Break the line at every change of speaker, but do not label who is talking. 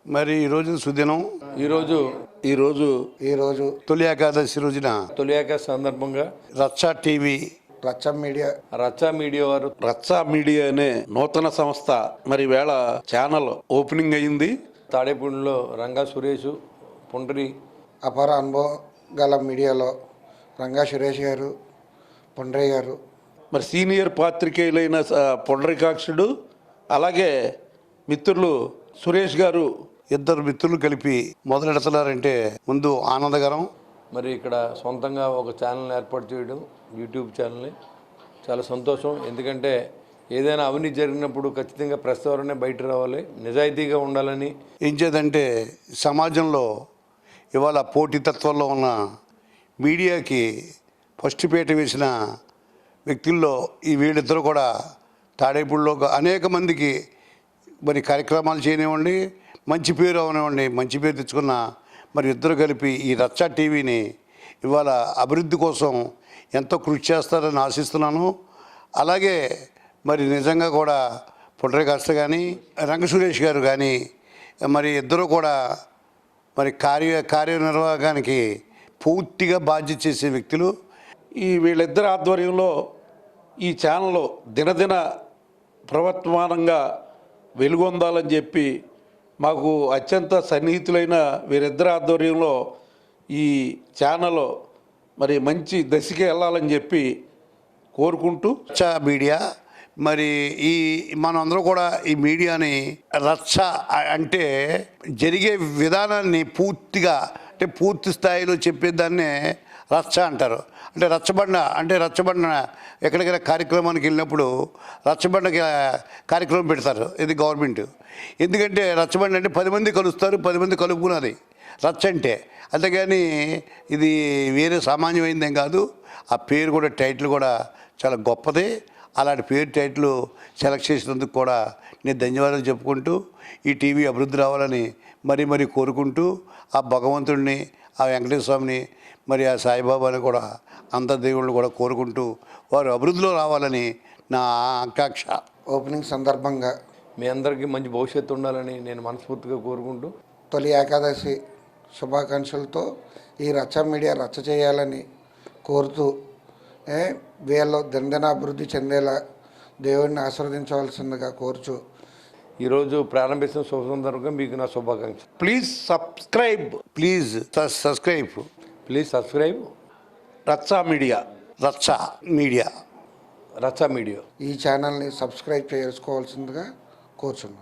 మరి ఈరోజు సుదినం.
ఈరోజు
తొలి ఏకాదశి రోజున
తొలి ఏకాదశి సందర్భంగా
రచ్చా టీవీ,
రచ్చా మీడియా వారు
రచ్చా మీడియా అనే నూతన సంస్థ మరి వేళ ఛానల్ ఓపెనింగ్ అయింది.
తాడేపూడిలో రంగా సురేష్, పుండ్రి
అపార అనుభవం గల మీడియాలో రంగా సురేష్ గారు, పుండ్రయ్య గారు,
మరి సీనియర్ పాత్రికేయులైన పుండరీకాక్షుడు, అలాగే మిత్రులు సురేష్ గారు,
ఇద్దరు మిత్రులు కలిపి మొదలెడుతున్నారంటే ముందు ఆనందకరం.
మరి ఇక్కడ సొంతంగా ఒక ఛానల్ ఏర్పాటు చేయడం, యూట్యూబ్ ఛానల్ని, చాలా సంతోషం. ఎందుకంటే ఏదైనా అవినీతి జరిగినప్పుడు ఖచ్చితంగా ప్రెస్ ద్వారానే బయట రావాలి, నిజాయితీగా ఉండాలని.
ఏం చేద్దంటే సమాజంలో ఇవాళ పోటీతత్వంలో ఉన్న మీడియాకి ఫస్ట్ పీట వేసిన వ్యక్తుల్లో ఈ వీళ్ళిద్దరూ కూడా తాడేపూడిలో అనేక మందికి మరి కార్యక్రమాలు చేయనివ్వండి, మంచి పేరు అవనివ్వండి, మంచి పేరు తెచ్చుకున్న మరి ఇద్దరు కలిపి ఈ రచ్చా టీవీని ఇవాళ అభివృద్ధి కోసం ఎంతో కృషి చేస్తారని ఆశిస్తున్నాను. అలాగే మరి నిజంగా కూడా పుండరీకాక్ష కానీ రంగ సురేష్ గారు కానీ మరి ఇద్దరు కూడా మరి కార్యనిర్వాహకానికి పూర్తిగా బాధ్యత చేసే వ్యక్తులు.
ఈ వీళ్ళిద్దరి ఆధ్వర్యంలో ఈ ఛానల్ దినదిన ప్రవర్తమానంగా వెలుగొందాలని చెప్పి మాకు అత్యంత సన్నిహితులైన వీరిద్దరి ఆధ్వర్యంలో ఈ ఛానల్ మరి మంచి దశకి వెళ్ళాలని చెప్పి కోరుకుంటూ
రచ్చా మీడియా మరి ఈ మనందరూ కూడా ఈ మీడియాని రచ్చ అంటే జరిగే విధానాన్ని పూర్తిగా అంటే పూర్తి స్థాయిలో చెప్పేదాన్నే రచ్చ అంటారు. అంటే రచ్చబండ ఎక్కడికైనా కార్యక్రమానికి వెళ్ళినప్పుడు రచ్చబండకి కార్యక్రమం పెడతారు, ఇది గవర్నమెంట్. ఎందుకంటే రచ్చబండ అంటే 10 మంది కలుస్తారు, 10 మంది కలుపుకున్నది రచ్చ అంటే. అంతేగాని ఇది వేరే సామాన్యమైందేం కాదు. ఆ పేరు కూడా, టైటిల్ కూడా చాలా గొప్పదే. అలాంటి పేరు టైటిల్ సెలెక్ట్ చేసినందుకు కూడా నేను ధన్యవాదాలు చెప్పుకుంటూ ఈ టీవీ అభివృద్ధి రావాలని మరీ కోరుకుంటూ ఆ భగవంతుడిని, ఆ వెంకటేశ్వర స్వామిని, మరి ఆ సాయిబాబాని కూడా అంత దేవుళ్ళు కూడా కోరుకుంటూ వారు అభివృద్ధిలో రావాలని నా ఆకాంక్ష.
ఓపెనింగ్ సందర్భంగా
మీ అందరికీ మంచి భవిష్యత్తు ఉండాలని నేను మనస్ఫూర్తిగా కోరుకుంటూ
తొలి ఏకాదశి శుభాకాంక్షలతో ఈ రచ్చా మీడియా రచ్చ చేయాలని కోరుతూ వీళ్ళు దినదినాభివృద్ధి చెందేలా దేవుడిని ఆశీర్వదించవలసిందిగా కోరుచు
ఈరోజు ప్రారంభిస్తున్న శుభ సందర్భంగా మీకు నా శుభాకాంక్షలు.
Please subscribe Racha media.
ఈ
ఛానల్ని సబ్స్క్రైబ్ చేసుకోవాల్సిందిగా కోరుచున్నాను.